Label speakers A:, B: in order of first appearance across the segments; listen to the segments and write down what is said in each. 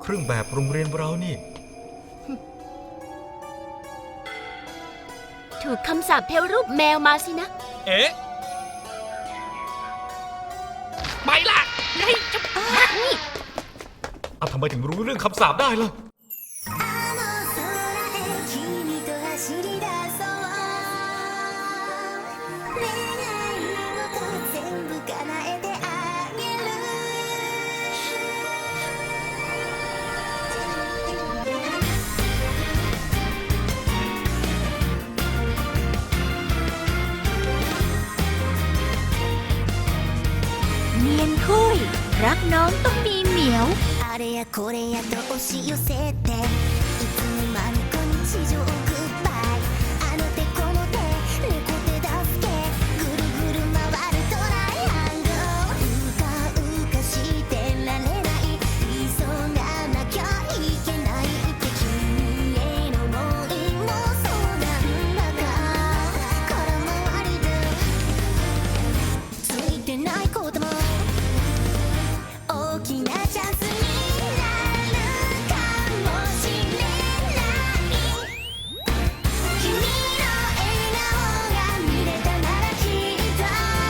A: เครื่องแบบโรงเรียนเรานี่
B: ถูกคำสาปเทวรูปแมวมาสินะ
C: เอ๊ะไปล่ะไงจะ
B: นี่
A: ทำไมถึงรู้เรื่องคำสาปได้ล่ะ
B: เนียนคุยรักน้องต้องมีเหมียว
D: あれやこれやと押し寄せていつの間にか日常グッバイあの手この手猫手助けぐるぐる回るトライアングルうかうかしてられない急がなきゃいけないって君への想いもそうなんだが空回りでついてないことも大きなチャンスになるかもしれない君の笑顔が見れたならきっと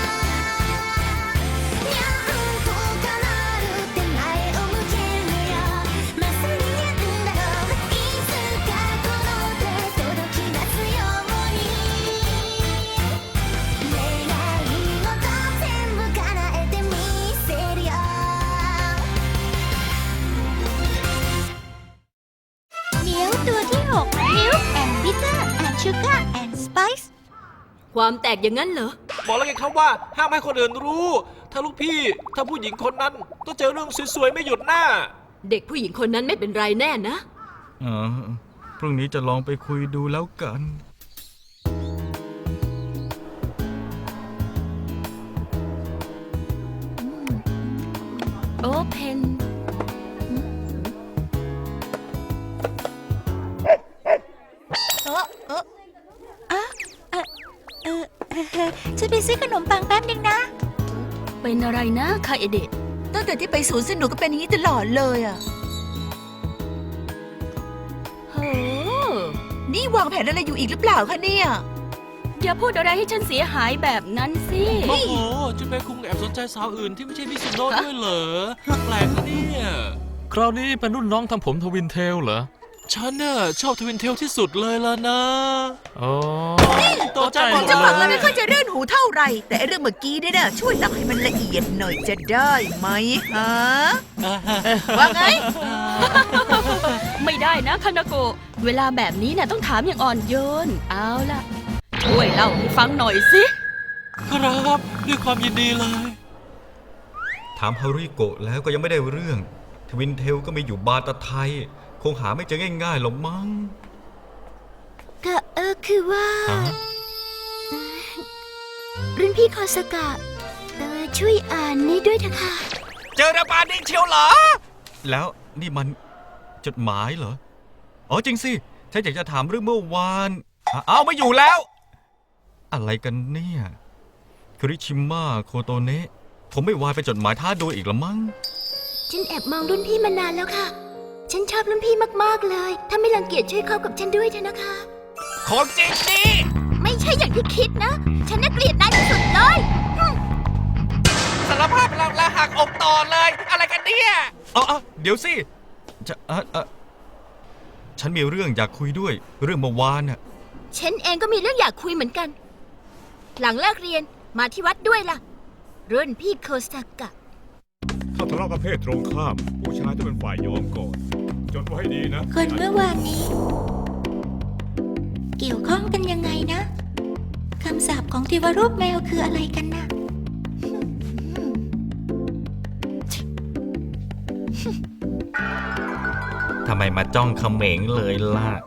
D: にゃんこかなるって前を向けるよまさににゃんだろういつかこの手届き出すように願い事全部叶えてみせるよ
B: เหมียวตัวที่6 Milk and Bitter and Sugar and Spice ความแตกอย่างนั้นเหรอ
C: บอกแล้วไงครับว่าห้ามให้คนอื่นรู้ ถ้าลูกพี่ถ้าผู้หญิงคนนั้นต้องเจอเรื่องสวยๆไม่หยุดหน้า
B: เด็กผู้หญิงคนนั้นไม่เป็นไรแน่นะ
A: พรุ่งนี้จะลองไปคุยดูแล้วกัน
B: โอเพน
D: ฉันไปซื้อขนมปังแป๊บนึงนะ
B: เป็นอะไรนะคาเอเดะ
D: ตั้งแต่ที่ไปสวนสนุกก็เป็นอย่างนี้ตลอดเลยอ่ะ
B: โห
D: นี่วางแผนอะไรอยู่อีกหรือเปล่าคะเนี่ย
B: อย่าพูดอะไรให้ฉันเสียหายแบบนั้นสิ
C: โอ้โหจุนเปคุงแอบสนใจสาวอื่นที่ไม่ใช่มิซุโนะด้วยเหรอแปลกนะเนี่ย
E: คราวนี้เป็นรุ่นน้องทำผมทวินเทลเหรอ
C: ฉันน่ะชอบทวินเทลที่สุดเลยล่ะนะ
E: อ๋อ
C: ตัวใจหมด
D: จะฟัง
C: เล
D: แล้ว
C: ย
D: ไม่ค่อยจะเรื่อนหูเท่าไหร่ แต่ไอ้เรื่องเมื่อกี้เนี่ยนะช่วยตักให้มันละเอียดหน่อยจะได้ไหมฮะว่าไง
B: ไม่ได้นะคานาโกะเวลาแบบนี้น่ะต้องถามอย่างอ่อนโยนเอาล่ะช่วยเล่าให้ฟังหน่อยสิ
C: ครับด้วยความยินดีเลย
A: ถามฮาริโกะแล้วก็ยังไม่ได้เรื่องทวินเทลก็มีอยู่บาตาไทยคงหาไม่เจอง่ายๆหรอกมั้ง
B: ก็คือว่า รุ่นพี่คอสกะช่วยอ่านนี้ด้วยเถอะค่ะ
C: เจอระบาดนี่เชียวเหรอ
A: แล้วนี่มันจดหมายเหรออ๋อจริงสิฉันอยากจะถามเรื่องเมื่อวานเอาไม่อยู่แล้วอะไรกันเนี่ยคุริชิมะโคโตเนะผมไม่วายไปจดหมายท้าโดยอีกละมั้ง
B: ฉันแอบมองรุ่นพี่มานานแล้วค่ะฉันชอบรุ่นพี่มากๆเลยถ้าไม่รังเกียจช่วยเข้ากับฉันด้วยเถอะนะคะ
C: ของจริงดิ
B: ไม่ใช่อย่างที่คิดนะฉันน่าเกลียดนายที่สุดเลย
C: สารภาพเราละหักอกต่อเลยอะไรกันเนี่ย
A: เดี๋ยวสิจะฉันมีเรื่องอยากคุยด้วยเรื่องเมื่อวานน่ะ
B: ฉันเองก็มีเรื่องอยากคุยเหมือนกันหลังเลิกเรียนมาที่วัดด้วยล่ะรุ่นพี่โคซากะ
F: ถ้าทะเลาะกับเพศตรงข้ามผู้ชายต้องเป็นฝ่ายยอมก่อนจดไว้ให้ดีนะ
D: คนเมื่อวานนี้เกี่ยวข้องกันยังไงนะคำสาปของเทวรูปแมวคืออะไรกันนะ
A: ทำไมมาจ้องเขม็งเลยล่ะ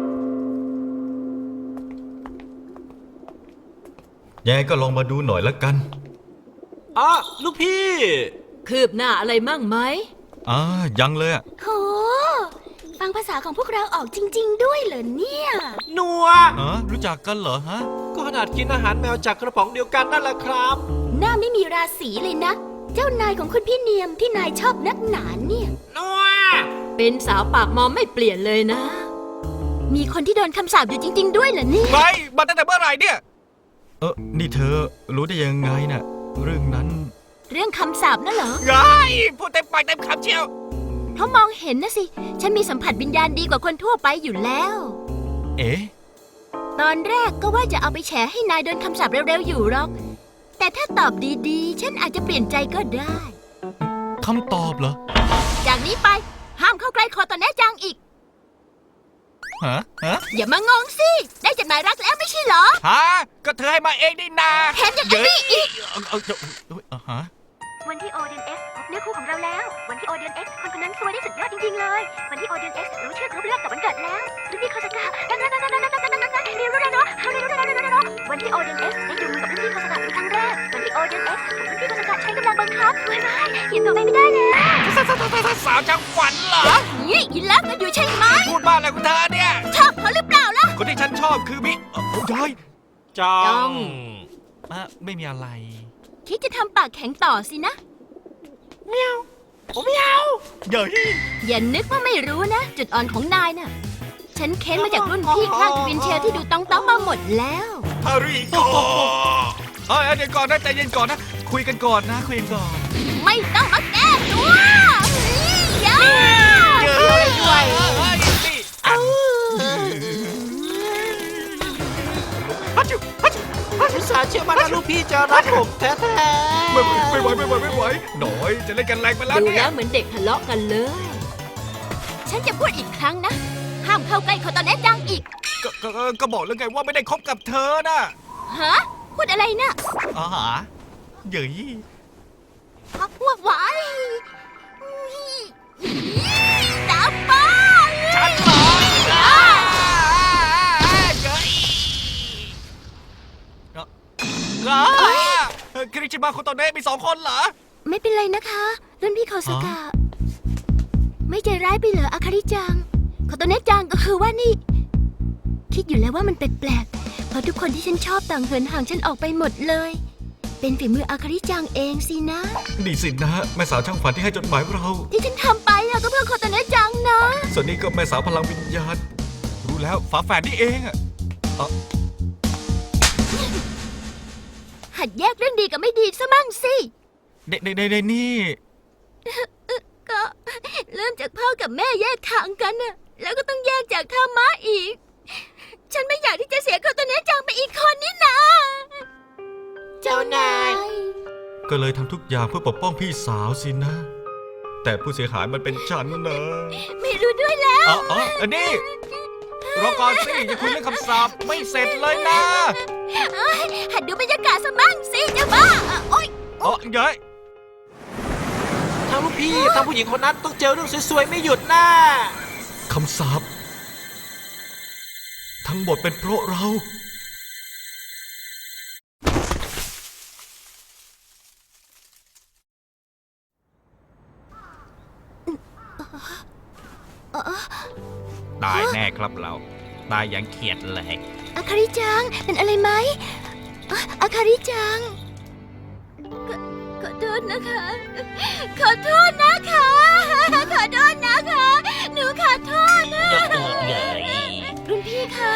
A: ยังไงก็ลองมาดูหน่อยละกัน
C: ลูกพี่
B: คืบหน้าอะไรมั่งไหม
A: ยังเลยอะ
B: โหฟังภาษาของพวกเราออกจริงๆด้วยเหรอเนี่ย
C: นัว
A: รู้จักกันเหรอฮะ
C: ก็ขนาดกินอาหารแมวจากกระป๋องเดียวกันนั่นแหละครับ
B: หน้าไม่มีราศีเลยนะเจ้านายของคุณพี่เนียมที่นายชอบนักหนาเนี่ย
C: นัว
G: เป็นสาวปากมอมไม่เปลี่ยนเลยนะ
B: มีคนที่โดนคำสาปอยู่จริง ๆ ด้วยเหรอเนี่ย
A: ไปมาตั้งแต่เมื่อไหร่เนี่ย นี่เธอรู้ได้ยังไงน่ะ เรื่องนั้น
B: เรื่องคำสาปนั่นเหรอ
A: ไงพูดเต็มปากเต็มคำเชียว
B: เพราะมองเห็นนะสิ ฉันมีสัมผัสวิญญาณดีกว่าคนทั่วไปอยู่แล้ว
A: เอ๊ะ
B: ตอนแรกก็ว่าจะเอาไปแฉให้นายโดนคำสาปเร็วๆอยู่หรอก แต่ถ้าตอบดีๆ ฉันอาจจะเปลี่ยนใจก็ได้
A: คำตอบเหรอ
B: จากนี้ไปห้ามเข้าใกล้คอตอนแน่จังอีก
A: ฮะ
B: อย่ามางงสิ ได้จดหมายรักแล้วไม่ใช่เหรอ
A: ฮะ ก็เธอให้มาเองนี่นา
B: แถมยังไอ้นี่อีก
A: ฮะ
H: วันที่โอเดนเอ็กซ์พบเนื้อคู่ของเราแล้ว วันที่โอเดนเอ็กซ์คนนั้นสวยได้สุดยอดจริงๆเลย วันที่โอเดนเอ็กซ์รู้ชื่อครบเลือกกับวันเกิดแล้วรุ่นพี่คาสกะนั่นเรียนรู้แล้วเนาะวันที่โอเดนเอ็กซ์ได้ดูมือกับรุ่นพี่คาสกะเป็นครั้งแรก วันที่โอเดนเอ็กซ์รุ่นพี่คาสกะใช้กำลังบังคับสวยไหมยังตัวไม่ได้เลย
A: สาวจังฝันเหรอ
B: นี่ยินรักกันอยู่ใช่ไหม
A: พูดบ้าอะไรของเธอเนี่ย
B: ชอบเขาหรือเปล่าล่ะ
A: คนที่ฉันชอบคือมิย้อย
C: จ้อง
A: ไม่มีอะไร
B: คิดจะทำปากแข็งต่อสินะ
A: เย้ย
B: อย่านึกว่าไม่รู้นะ จุดอ่อนของนายน่ะ ฉันเค้นมาจากรุ่นพี่ข้างทวินเชลที่ดูต้องมาหมดแล้ว
A: ฮาริโกเดี๋ยวก่อนนะใจเย็นก่อนนะ คุยกันก่อนนะ คุยกันก่อน
B: ไม่ต้องมาแก้ตัวอย่า
A: ด้วยนี่ฮัจจุฮัจจุ
C: อุตส่าห์เชื่อมั่นว่าลูกพี่จะรักผมแท้
A: ไม่ไหวหน่อยจะเล่นกันแรงไปแล้ว
G: ดู
A: เนี่
G: แล้
A: ยว
G: เหมือนเด็กทะเลาะกันเลย
B: ฉันจะพูดอีกครั้งนะ ห้ามเข้าใกล้คอตอนแน่จังอีก
A: ก็บอกแล้วไงว่าไม่ได้คบกับเธอน่ะ
B: ฮะ พูดอะไรนะ
A: อ๋อหาเย้ย
B: พักพวกไว้ตาป้า
A: ฉันเหรอคริชิมาโคโตเนะมี2 คนเหรอ
B: ไม่เป็นไรนะคะ รุ่นพี่คอสกะ ไม่ใจร้ายไปเหรออาคาริจังคอตอนแน่จังก็คือว่านี่ คิดอยู่แล้วว่ามันแปลกๆเพราะทุกคนที่ฉันชอบต่างเหินห่างฉันออกไปหมดเลย เป็นฝีมืออาคาริจังเองสินะ
A: นี่สินะแม่สาวช่างฝันที่ให้จดหมายเรา
B: ที่ฉันทำไปอะก็เพื่อคอตอนแน่จังนะ
A: ส่วนนี้ก็แม่สาวพลังวิญญาณ รู้แล้วฝาแฝดนี่เองอะ
B: หัดแยกเรื่องดีกับไม่ดีซะมั่งสิ
A: เด็นี่
B: ก็เริ่มจากพ่อกับแม่แยกทางกันน่ะ แล้วก็ต้องแยกจากธรรมะอีก ฉันไม่อยากที่จะเสียคอตอนแน่จังไปอีกคนนี่นะ
C: ๆ เจ้านาย
A: ก็เลยทำทุกอย่างเพื่อปกป้องพี่สาวสินะ แต่ผู้เสียหายมันเป็นฉันนะ
B: ไม่รู้ด้วยแล้ว
A: อันนี้รอก่อนสิจะคุยเรื่องคำสาปไม่เสร็จเลยนะ
B: หัดดูบรรยากาศซะมั่งสิเจ้าบ้าโอ๊ย
A: เย้ย
C: ทั้งลูกพี่ทั้งผู้หญิงคนนั้นต้องเจอเรื่องสวยๆไม่หยุดหน้า
A: คำสาปทั้งหมดเป็นเพราะเรา ตายแน่ครับเรา ตายอย่างเขียดแหลก
B: อาคาริจัง เป็นอะไรไหมอาคาริจัง ขอโทษนะคะ ขอโทษนะคะ ขอโทษนะคะ หนูขอโทษนะรุ่นพี่คะ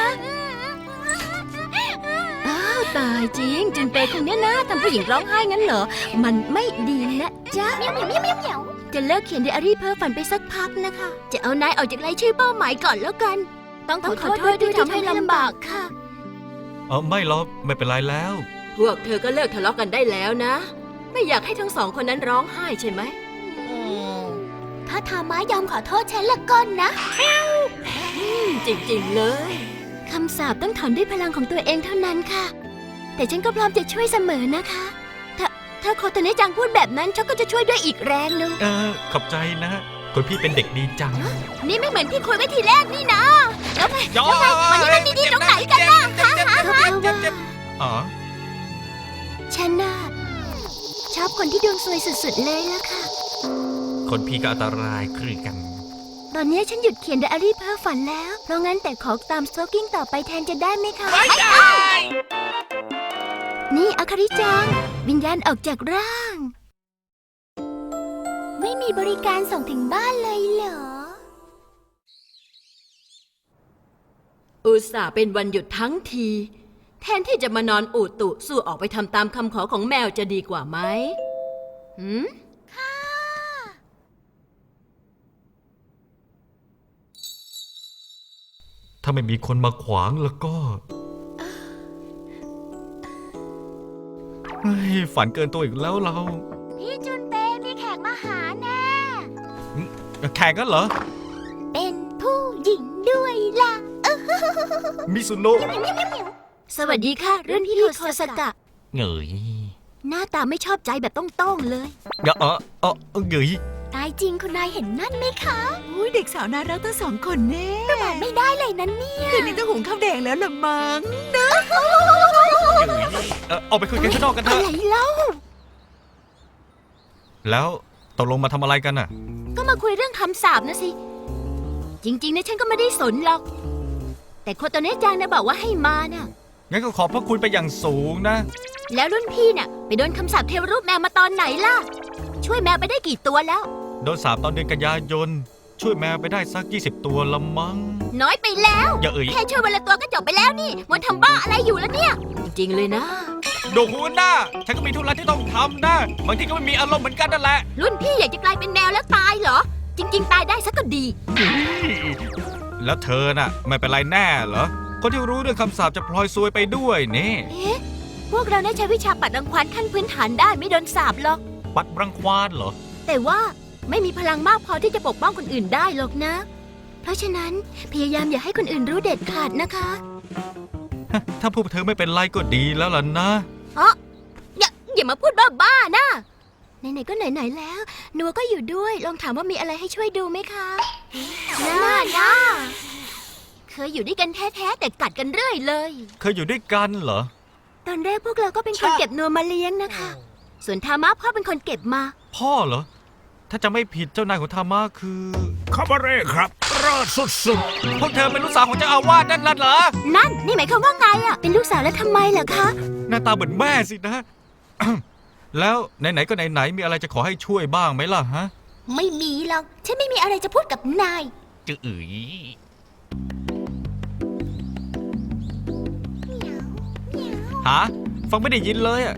B: อ้าวตายจริงจุนเปย์คนเนี้ยนะทำผู้หญิงร้องไห้งั้นเหรอ มันไม่ดีนะจ๊ะจะเลิกเขียนไดอารี่เพ้อฝันไปสักพักนะคะ จะเอานายออกจากรายชื่อเป้าหมายก่อนแล้วกัน ต้องขอโทษด้วยที่ทำให้ลำบากค่ะ
A: ไม่หรอกไม่เป็นไรแล้ว
G: พวกเธอก็เลิกทะเลาะกันได้แล้วนะ ไม่อยากให้ทั้ง2 คนนั้นร้องไห้ใช่ไหม
B: ถ้าทามายอมขอโทษฉันละก่อนนะ
G: จริงๆเลย
B: คำสาปต้องถอนด้วยพลังของตัวเองเท่านั้นค่ะ แต่ฉันก็พร้อมจะช่วยเสมอนะคะ ถ้าโคโตเนะจังพูดแบบนั้นฉันก็จะช่วยด้วยอีกแรงหนึง
A: ขอบใจนะคนพี่เป็นเด็กดีจัง
B: นี่ไม่เหมือนที่คุยไว้ทีแรกนี่นะแล้วไง
A: ย้อ
B: วันนี้มันดีๆตรงไหนกันล่ะคะ
A: อ๋อ
B: ฉันน่ะชอบคนที่ดวงซวยสุดๆเลยละค่ะ
A: คนพี่ก็อันตรายคือกัน
B: ตอนนี้ฉันหยุดเขียนไดอารี่เพ้อฝันแล้ว เพราะงั้นแต่ขอตามสโตกิ้งต่อไปแทนจะได้ไหมคะ
A: ไม่ได้
B: นี่อาคาริจัง วิญญาณออกจากร่าง ไม่มีบริการส่งถึงบ้านเลยเหรอ
G: อุตส่าห์เป็นวันหยุดทั้งที แทนที่จะมานอนอุตุสู้ออกไปทำตามคำขอของแมวจะดีกว่าไหมหืม
A: ถ้าไม่มีคนมาขวางแล้วก็เฮ้ยฝันเกินตัวอีกแล้วเรา
H: พี่จุนเปมีแขกมาหาแน่
A: แข่งกันเหรอ
H: เป็นผู้หญิงด้วยล่ะ
A: มิซุโนะ
B: สวัสดีค่ะรุ่นพี่โคสกะ
A: เหงย
B: หน้าตาไม่ชอบใจแบบต้องๆเลย
A: เหงย
B: ตายจริงคุณนายเห็นนั่นไหมคะ
I: อุ้ยเด็กสาวน่ารักทั้งสองคนแน่
B: ประมาทไม่ได้เลยนั้นเนี่ย
I: คืนนี้ต้องหุงข้าวแดงแล้วละมั้ง
A: ออกไปคุยกันข้างนอกกันเถ
B: อะ
A: อะ
B: ไรเล่า
A: แล้วตกลงมาทำอะไรกันน่ะ
B: ก็มาคุยเรื่องคำสาปนะสิ จริงๆนะฉันก็ไม่ได้สนหรอก แต่โคโตเนะจังนะบอกว่าให้มาน่ะ
A: งั้นก็ขอบพระคุณไปอย่างสูงนะ
B: แล้วรุ่นพี่น่ะไปโดนคำสาปเทวรูปแมวมาตอนไหนล่ะ ช่วยแมวไปได้กี่ตัวแล้ว
A: โดนสาปตอนเดือนกันยายน ช่วยแมวไปได้สัก 20 ตัวละมั้ง
B: น้อยไปแล้ว
A: อย่าเอ่ย
B: แค่ช่วยวันละตัวก็จบไปแล้วนี่มันทำบ้าอะไรอยู่แล้วเนี่ย
G: จริงๆเลยนะ
A: โดคุณนะฉันก็มีธุระที่ต้องทำนะ บางทีก็ไม่มีอารมณ์เหมือนกันนั่นแหละ
B: รุ่นพี่อยากจะกลายเป็นแมวแล้วตายเหรอ จริง ๆ ตายได้ซะก็ดี
A: แล้วเธอน่ะ ไม่เป็นไรแน่เหรอ คนที่รู้เรื่องคำสาปจะพลอยซวยไปด้วยนี่
B: เอ๊ะ พวกเราได้ใช้วิชาปัดรังควานขั้นพื้นฐานได้ไม่โดนสาปหรอก
A: ปัดรังควานเหรอ
B: แต่ว่าไม่มีพลังมากพอที่จะปกป้องคนอื่นได้หรอกนะ เพราะฉะนั้นพยายามอย่าให้คนอื่นรู้เด็ดขาดนะคะ
A: ถ้าพวกเธอไม่เป็นไรก็ดีแล้วล่ะนะ
B: อย่ามาพูดบ้าๆนะ ไหนๆก็ไหนๆแล้ว นัวก็อยู่ด้วย ลองถามว่ามีอะไรให้ช่วยดูไหมคะน่านะเคยอยู่ด้วยกันแท้ๆแต่กัดกันเรื่อยเลย
A: เคยอยู่ด้วยกันเหรอ
B: ตอนแรกพวกเราก็เป็นคนเก็บนัวมาเลี้ยงนะคะ ส่วนทามะพ่อเป็นคนเก็บมา
A: พ่อเหรอ ถ้าจะไม่ผิดเจ้านายของธรรมะคือ
F: คาบาเร่ครับรอดสุด
A: พวกเธอเป็นลูกสาวของเจ้าอาวาสนั่นเหรอ
B: นั่นนี่หมายความว่าไงอ่ะ เป็นลูกสาวแล้วทำไมเหรอคะ
A: หน้าตาเหมือนแม่สินะ แล้วไหนๆก็ไหนๆมีอะไรจะขอให้ช่วยบ้างไหมล่ะฮะ
B: ไม่มีหรอก ฉันไม่มีอะไรจะพูดกับนาย
A: จื๋ยหาฟังไม่ได้ยินเลยอ่ะ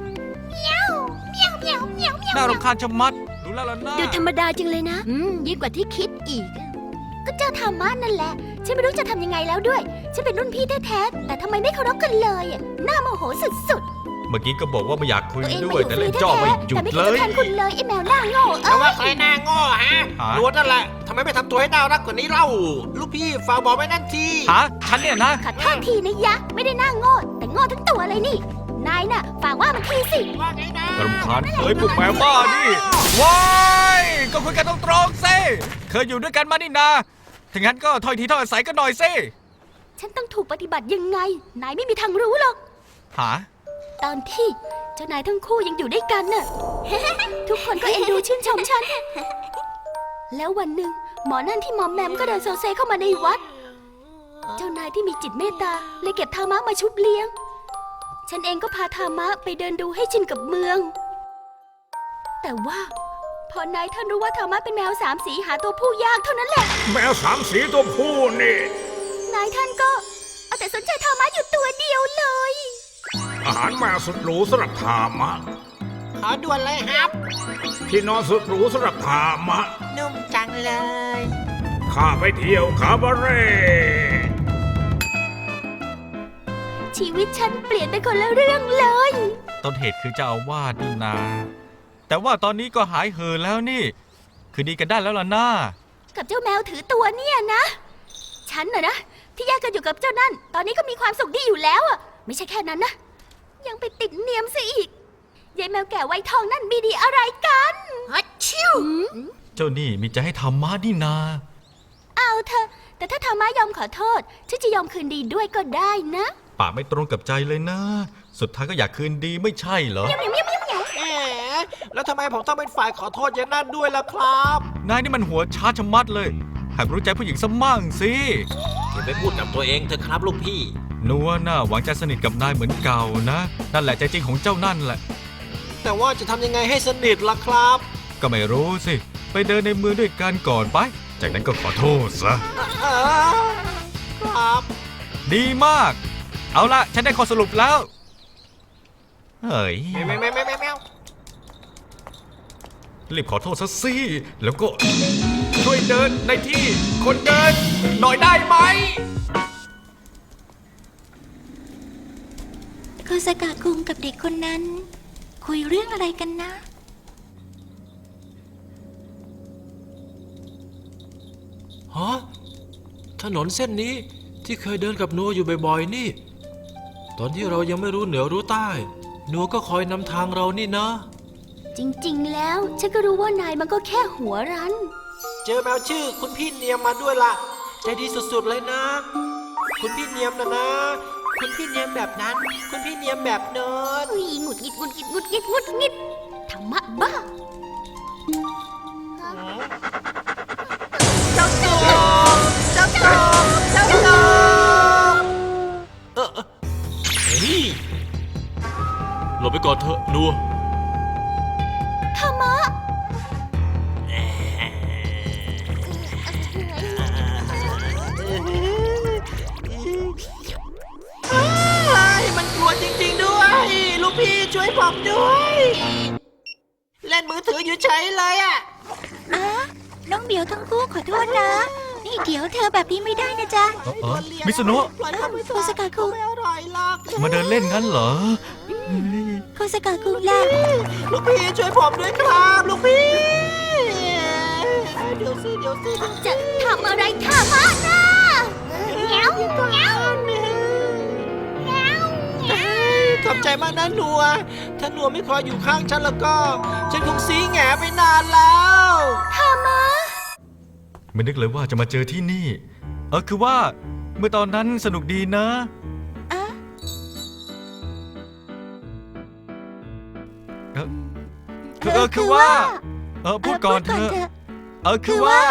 A: น่ารำคาญชะมัด ดูแล้วล่ะนะ
B: ดูธรรมดาจังเลยนะ ยิ่งกว่าที่คิดอีก ก็เจ้าธรรมะนั่นแหละ ฉันไม่รู้จะทำยังไงแล้วด้วย ฉันเป็นรุ่นพี่แท้ๆ แต่ทำไมไม่เคารพกันเลยอะน่าโมโหสุด
A: เมื่อกี้ก็บอกว่าไม่อยากคุย
B: ๆ ตัวเอง
A: ด้
B: มา
A: วย
B: อยู่
A: แต่
B: ฟรี
A: เล่นจ้อ
B: แท้
A: ไม่
B: ๆ
A: หยุ
B: แต่
A: ด
B: ไม่
A: เล
B: คิด
A: ย
B: จะแทนคุณเลยไอ้แมวหน้าโง่
C: แต่ว่าใครหน้าโง่ฮะ
A: หา
C: ล้วนนั่นแหละทำไมไม่ทำตัวให้น่ารักกว่านี้เล่า ลูกพี่ฝากบอกไว้นั่นที
A: หาฉันเนี่ยนะ
B: ขอโทษทีนะยะ ไม่ได้หน้าโง่ แต่โง่ทั้งตัวเลยนี่ นายน่ะ ฝากว่ามันทีสิ
C: ว่าไงนะ
A: รำคาญเฮ้ยพวกแมวบ้านี่ว้ายก็คุยกันตรงๆสิเคยอยู่ด้วยกันมานี่นาถ้างั้นก็ถ้อยทีถ้อยอาศัยกันหน่อยสิ
B: ฉันต้องถูกปฏิบัติยังไง นายไม่มีทางรู้หรอก
A: หา
B: ตอนที่เจ้านายทั้งคู่ยังอยู่ด้วยกันน่ะ ทุกคนก็เอ็นดูชื่นชมฉัน แล้ววันหนึ่งหมอนั่นที่มอมแมมก็เดินโซเซเข้ามาในวัด เจ้านายที่มีจิตเมตตาเลยเก็บธามะมาชุบเลี้ยง ฉันเองก็พาธามะไปเดินดูให้ชินกับเมือง แต่ว่าพอนายท่านรู้ว่าธามะเป็นแมวสามสีหาตัวผู้ยากเท่านั้นแหละ
F: ๆ แมวสามสีตัวผู้นี่
B: นายท่านก็เอาแต่สนใจธามะอยู่ตัวเดียวเลย
F: อาหารแมวสุดหรูสำหรับทามะ
C: ขอด่วนเลยครับ
F: ที่นอนสุดหรูสำหรับทามะ
C: นุ่มจังเลย
F: ข้าไปเที่ยวคาบาเร่
B: ชีวิตฉันเปลี่ยนไปคนละเรื่องเลย
A: ต้นเหตุคือเจ้าอาวาสนี่นา แต่ว่าตอนนี้ก็หายเห่อแล้วนี่ คือดีกันได้แล้วล่ะนะ
B: กับเจ้าแมวถือตัวเนี่ยนะ ฉันน่ะนะที่แยกกันอยู่กับเจ้านั่น ตอนนี้ก็มีความสุขดีอยู่แล้วอ่ะ ไม่ใช่แค่นั้นนะ ยังไปติดเนียมซะอีกยายแมวแก่ไวทองนั่นมีดีอะไรกันฮัชิว
A: เจ้านี่มีใจให้ธรรมะนี่นา
B: เอาเถอะแต่ถ้าธรรมะยอมขอโทษฉันจะยอมคืนดีด้วยก็ได้นะ
A: ปากไม่ตรงกับใจเลยนะ สุดท้ายก็อยากคืนดีไม่ใช่เหรอ
C: แหมแล้วทำไมผมต้องเป็นฝ่ายขอโทษอย่างนั้นด้วยล่ะครับ
A: นายนี่มันหัวช้าชะมัดเลยหัดรู้ใจผู้หญิงสมั่งสิ
C: อย่าไปพูดกับตัวเองเถอะครับลูกพี่
A: นัวน่าหวังจะสนิทกับนายเหมือนเก่านะ นั่นแหละใจจริงของเจ้านั่นแหละ
C: แต่ว่าจะทำยังไงให้สนิทล่ะครับ
A: ก็ไม่รู้สิ ไปเดินในเมืองด้วยกันก่อนไป จากนั้นก็ขอโทษซะ
C: ครับ
A: ดีมาก เอาละฉันได้ข้อสรุปแล้ว เฮ้ย
C: แมว
A: รีบขอโทษซะสิ แล้วก็ช่วยเดินในที่คนเดินหน่อยได้ไหม
D: โคสกะคุงกับเด็กคนนั้น คุยเรื่องอะไรกันนะ
C: ฮะถนนเส้นนี้ที่เคยเดินกับนัวอยู่บ่อยๆนี่ ตอนที่เรายังไม่รู้เหนือรู้ใต้นัวก็คอยนำทางเรานี่นะ
B: จริงๆ แล้ว ฉันก็รู้ว่านายมันก็แค่หัวรั้น
C: เจอแมวชื่อคุณพี่เนียมมาด้วยล่ะ ใจดีสุดๆเลยนะ คุณพี่เนียมนะ คุณพี่เนียมแบบนั้น คุณพี่เนียมแบบโน้น
B: อุ๊ยหงุดหงิดหงุดหงิดหงุดหงิดหงุดหงิดธรรมะบ้า
C: เฮ้ยหลบไปก่อนเถอะนัว
B: ธรรมะ
C: มันกลัวจริงๆด้วย ลูกพี่ช่วยผมด้วย เล่นมือถืออยู่เฉยเลยอ่ะ
D: อ้าน้องเหมียวทั้งคู่ขอโทษนะ นี่เดี๋ยวเธอแบบนี้ไม่ได้นะจ๊ะ
A: มิสโนะ
D: โคสกะคุง
A: มาเดินเล่นงั้นเหรอ
D: โคสกะคุงล่ะ
C: ลูกพี่ช่วยผมด้วยครับลูกพี่ เดี๋ยวสิ
B: จะทำอะไรธรรมะนะแง้วแง้วแง้ว
C: ขอบใจมากนะนัว ถ้านัวไม่คอยอยู่ข้างฉันแล้วก็ ฉันคงซีแหงไปนานแล้ว
B: ธรรมะ
A: ไม่นึกเลยว่าจะมาเจอที่นี่ คือว่าเมื่อตอนนั้นสนุกดีนะ
D: อ่ะ
A: คือว่า พูดก่อนเถอะ คือว่า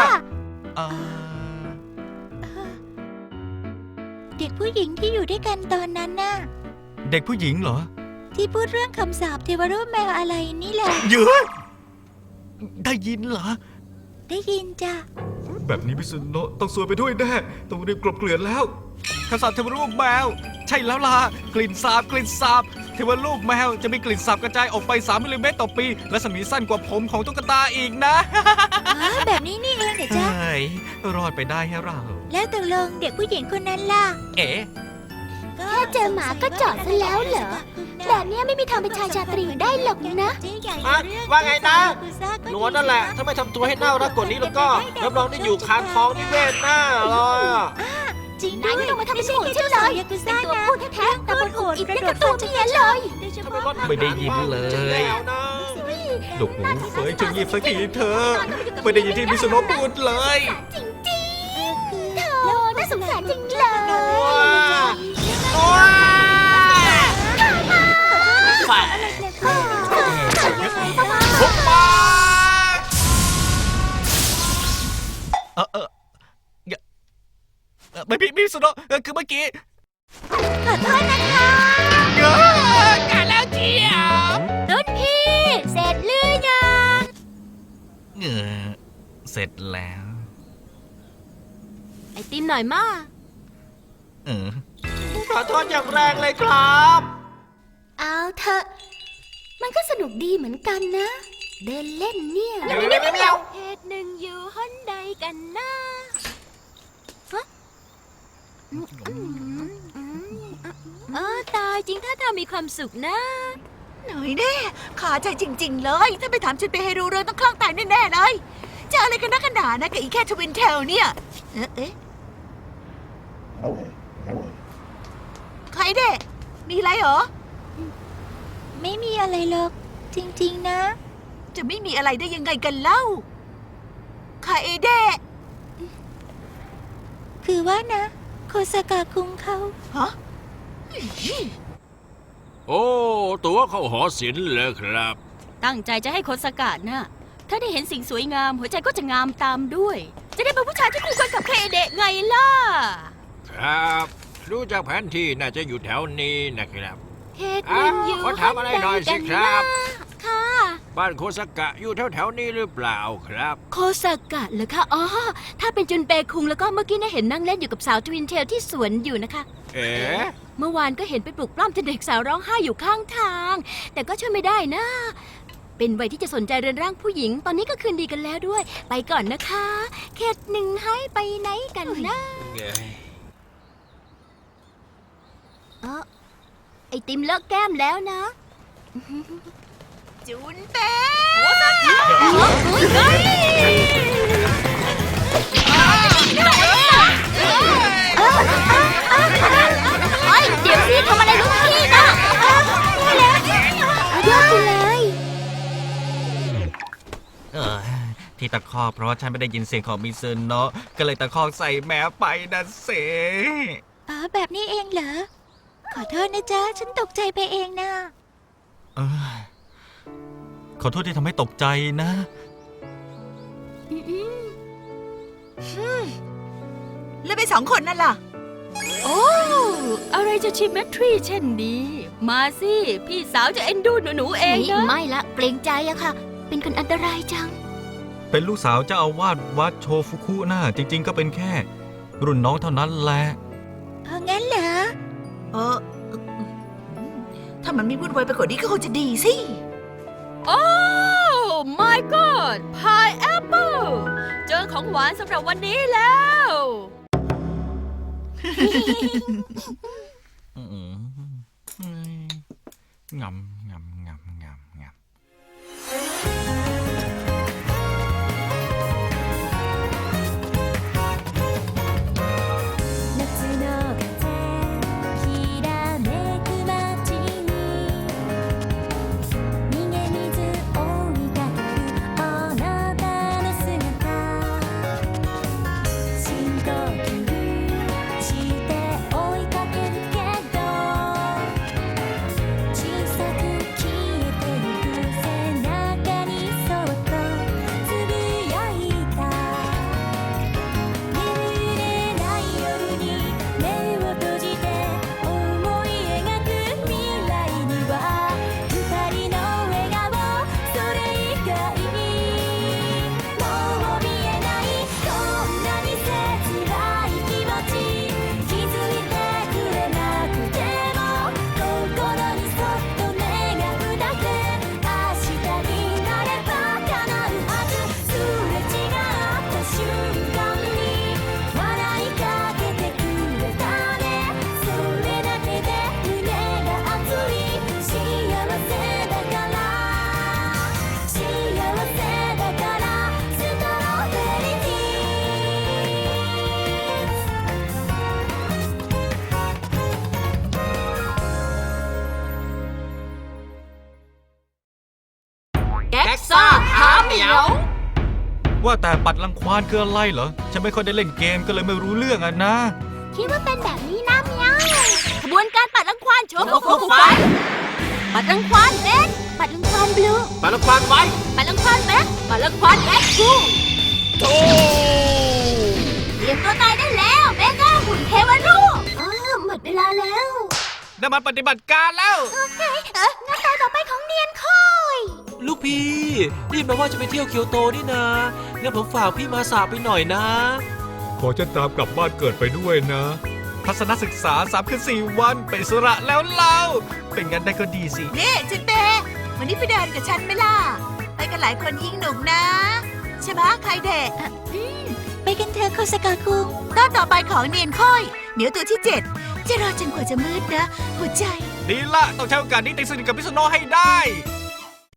D: เด็กผู้หญิงที่อยู่ด้วยกันตอนนั้นน่ะ
A: เด็กผู้หญิงเหรอ
D: ที่พูดเรื่องคำสาปเทวรูปแมวอะไรนี่แหละ
A: เยอะได้ยินเหรอ
D: ได้ยินจ้ะ
A: แบบนี้มิสโนะต้องซวยไปด้วยแน่ต้องรีบกลบเกลื่อนแล้วคำสาปเทวรูปแมว ใช่แล้วล่ะ กลิ่นสาบเทวรูปแมวจะมีกลิ่นสาบกระจายออกไป3มิลลิเมตรต่อปี และสมีสั้นกว่าผมของตุ๊กตาอีกนะ
D: แบบนี้นี่เองเหรอจ๊ะ
A: เฮ้ยรอดไปได้ให้เรา
D: แล้วตกลงเด็กผู้หญิงคนนั้นล่ะ
A: เอ๋
B: แค่เจอหมาก็จอดซะแล้วเหรอ แบบเนี้ยไม่มีทางเป็นชายชาตรีได้หรอกนะ
C: ว่าไงนะหนัวนั่นแหละ ถ้าไม่ทำตัวให้น่ารักกว่านี้แล้วก็รับรองได้อยู่คานท้องนิเวศหน้าเลยอะ
D: จริง
B: นายไม่ต้องมาทำเป็นโหดฉันเลยเป็นตัวพูดแท้ๆแต่บนโหดอิดได้กับตัวเมียเลย
A: ไม่ได้ยินเลย
C: แล้วนะ
A: ดุหูเฟยจงยีบสักทีเธอ ไม่ได้ยินที่มิสโนะพูดเลย
B: จริงๆเธอน่าสงสารจริงเลย
A: ทุกปาไม่พี่มิสโนะคือเมื่อกี้
B: ขอโทษนะคะ
A: กันแล้วเจียว
B: รุ่นพี่ เสร็จหรือยัง
A: เสร็จแล้ว
G: ไอติมหน่อยมา
C: ขอโทษอย่างแรงเลยครับ
B: เอาเถอะ มันก็สนุกดีเหมือนกันนะ เดินเล่นเนี่ย
C: เมียว
B: เหตุหนึ่งอยู่หนใดกันนะ
G: ตายจริงถ้าเธอมีความสุขนะ
I: หน่อยแน่ขาใจจริง ๆ เลย ถ้าไปถามฉันไปให้รู้เรื่องต้องคลั่งตายแน่ๆเลย จะอะไรกันนักกันหนานะกับอีแค่ทวินเทลเนี่ย เอ๊ะใครเด็กมีอะไรเหรอ
D: ไม่มีอะไรหรอก จริงๆนะ
I: จะไม่มีอะไรได้ยังไงกันเล่าใครเด็ก
D: คือว่านะ โคสกะคุงเขา
I: ฮะ
J: โอ้ ตัวเข้าหอศิลป์เลยครับ
G: ตั้งใจจะให้คนสกัดนะถ้าได้เห็นสิ่งสวยงาม หัวใจก็จะงามตามด้วย จะได้เป็นผู้ชายที่คู่ควรกับเคเดะไงล่ะ
J: ครับดูจากแผนที่น่าจะอยู่แถวนี้นะครับ
B: เหตุหนึ่งอยู่
J: ขอถามอะไรหน่อยสิครับ
B: ค่ะ
J: บ้านโคสกะอยู่แถวๆนี้หรือเปล่าครับ
G: โคสกะเหรอคะ อ๋อ ถ้าเป็นจุนเปคุงแล้วก็เมื่อกี้น่าเห็นนั่งเล่นอยู่กับสาวทวินเทลที่สวนอยู่นะคะ
J: เอ๋
G: เมื่อวานก็เห็นไปปลุกปล้ำจนเด็กสาวร้องไห้อยู่ข้างทาง แต่ก็ช่วยไม่ได้นะ เป็นวัยที่จะสนใจเรือนร่างผู้หญิง ตอนนี้ก็คืนดีกันแล้วด้วย ไปก่อนนะคะเขตหนึ่งให้ไปไหนกันนะ
B: ไอติมเลอะแก้มแล้วนะ
I: จุนเป้
B: เฮ้ย เดี๋ยวสิทำอะไรลูกพี่นะยอดไปเลย
A: ที่ตะคอกเพราะว่าฉันไม่ได้ยินเสียงของมิซึโนะก็เลยตะคอกใส่แมวไปนะเส
B: แบบนี้เองเหรอ ขอโทษนะจ๊ะ ฉันตกใจไปเองนะ
A: เออขอโทษที่ทำให้ตกใจนะ
I: แล้วไป2 คนนั่นล่ะ
G: โอ้ อะไรจะชิมเมทรีเช่นนี้ มาสิ พี่สาวจะเอ็นดูหนูๆเองนะ
B: ไม่ละ เกรงใจอะค่ะ เป็นคนอันตรายจัง
A: เป็นลูกสาวเจ้าอาวาสวัดโชฟุคุนะจริง ๆ ก็เป็นแค่ รุ่นน้องเท่านั้นแหละ
B: งั้นเหรอ
I: ถ้ามันไม่วุ่นวายไปกว่านี้ก็คงจะดีสิ
G: โอ้ my god พายแอปเปิลเจอของหวานสำหรับวันนี้แล้ว
A: งำงำงำงำงำ
D: 夏の風きらめく街に逃げ水追いかけるあなたの姿深呼吸して追いかけるけど小さく消えてゆく背中にそっとつぶやいた眠れない夜に目を閉じて思い描く未来には二人の笑顔それ以外もう見えないこんなに切ない気持ち気づいてくれなくても心にそっと願うだけ明日になれば叶うはずすれ違った瞬間に笑いかけてくれたねそれだけで胸が熱い幸せだから幸せだからストロベリーティ
G: แก๊กซ่าหาเหมียว
A: ว่าแต่ปัดรังควานคืออะไรเหรอ ฉันไม่ค่อยได้เล่นเกมก็เลยไม่รู้เรื่องอ่ะนะ
B: คิดว่าเป็นแบบนี้นะเมียว
G: ขบวนการปัดรังควานโชว์ฟุกฟันปัดรังควานเบน
B: ปัดลุงควานบลู
C: ไปละควานไว้
G: ปัดรังควานแบ็คปัดรังควานแอ็กซ์คู
B: เตรียมตัวตายได้แล้วเบเกอร์หุ่นเทวรูปหมดเวลาแล้ว
A: ได้มาปฏิบัติการแล้ว
B: หน้าตาต่อไปของเนียนคอย
C: ลูกพี่นี่แปลว่าจะไปเที่ยวเกียวโตนี่นะงั้นผมฝากพี่มาสาไปหน่อยนะ
F: ขอฉันตามกลับบ้านเกิดไปด้วยนะ
A: ทัศนศึกษา3 คืน 4 วันเป็นอิสระแล้วเราเป็นงั้นได้ก็ดีสิ
I: นี่จุนเป้วันนี้ไปเดินกับฉันไหมล่ะ ไปกันหลายคนยิ่งหนุกนะ ใช่ไหมใครเด็ก
B: ไปกันเถอะโคสกาคุง
I: ตอนต่อไปของเนียนค่อยเหมียวตัวที่ 7 จะรอจนกว่าจะมืดนะ หัวใจ
A: ดีละต้องใช้โอกาสนี้ตีสนิทกับพิษณุให้ได้